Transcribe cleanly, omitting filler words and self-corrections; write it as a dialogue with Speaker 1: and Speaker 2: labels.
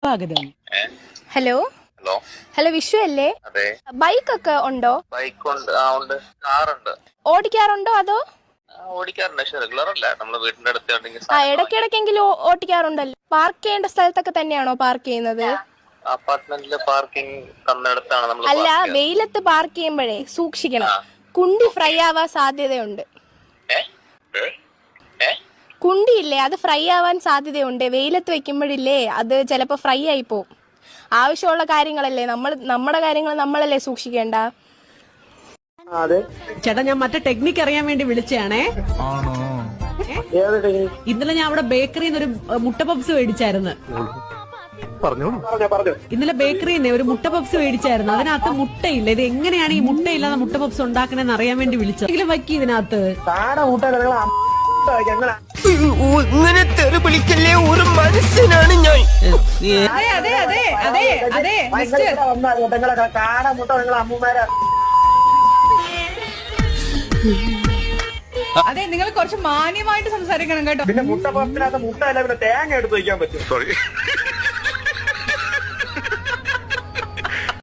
Speaker 1: സ്വാഗതം.
Speaker 2: Hello
Speaker 3: hello
Speaker 2: hello Vishu അല്ലേ?
Speaker 3: അതെ.
Speaker 2: ബൈക്ക് ഒക്കെ ഉണ്ടോ?
Speaker 3: ബൈക്ക് ഉണ്ട്, ഉണ്ട്. കാറുണ്ട്.
Speaker 2: ഓടിക്കാറുണ്ടോ അതോ?
Speaker 3: ഓടിക്കാറുണ്ട്, പക്ഷെ റെഗുലർ അല്ല. നമ്മള് വീടിന്റെ അടുത്ത്
Speaker 2: ഇടയ്ക്കിടയ്ക്കെങ്കിലും ഓടിക്കാറുണ്ടല്ലോ. പാർക്ക് ചെയ്യേണ്ട സ്ഥലത്തൊക്കെ തന്നെയാണോ പാർക്ക് ചെയ്യുന്നത്?
Speaker 3: അപ്പാർട്ട്മെന്റില് പാർക്കിംഗ് തന്നിടത്താണ് നമ്മൾ.
Speaker 2: അല്ല, വെയിലത്ത് പാർക്ക് ചെയ്യുമ്പോഴേ സൂക്ഷിക്കണം. കുണ്ടി ഫ്രൈ ആവാൻ സാധ്യതയുണ്ട്. കുണ്ടിയില്ലേ, അത് ഫ്രൈ ആവാൻ സാധ്യതയുണ്ട്. വെയിലത്ത് വെക്കുമ്പോഴില്ലേ അത് ചിലപ്പോൾ ഫ്രൈ ആയി പോവും. ആവശ്യമുള്ള കാര്യങ്ങളല്ലേ നമ്മുടെ കാര്യങ്ങൾ നമ്മളല്ലേ സൂക്ഷിക്കേണ്ട.
Speaker 1: ചേട്ടാ, ഞാൻ മറ്റേ ടെക്നിക്ക് അറിയാൻ വേണ്ടി വിളിച്ചാണേ. ഇന്നലെ ഞാൻ അവിടെ ബേക്കറിന്ന് ഒരു മുട്ട പപ്സ് മേടിച്ചായിരുന്നു. ഇന്നലെ ബേക്കറിന്ന് ഒരു മുട്ട പപ്സ് മേടിച്ചായിരുന്നു. അതിനകത്ത് മുട്ടയില്ല. ഇത് എങ്ങനെയാണ് ഈ മുട്ടയില്ലാതെ മുട്ട പപ്സ് ഉണ്ടാക്കണെന്ന് അറിയാൻ വേണ്ടി വിളിച്ചു. എങ്കിലും വയ്ക്കി ഇതിനകത്ത്.
Speaker 4: ഇങ്ങനെ തെറി വിളിക്കല്ലേ, ഒരു മനുഷ്യനാണ് ഞാൻ.
Speaker 5: അതെ, നിങ്ങൾ കുറച്ച് മാന്യമായിട്ട് സംസാരിക്കണം കേട്ടോ.
Speaker 6: പിന്നെ മുട്ട പപ്പിനകത്ത് മുട്ട അല്ല, പിന്നെ തേങ്ങ എടുത്ത് വയ്ക്കാൻ പറ്റും.
Speaker 3: സോറി.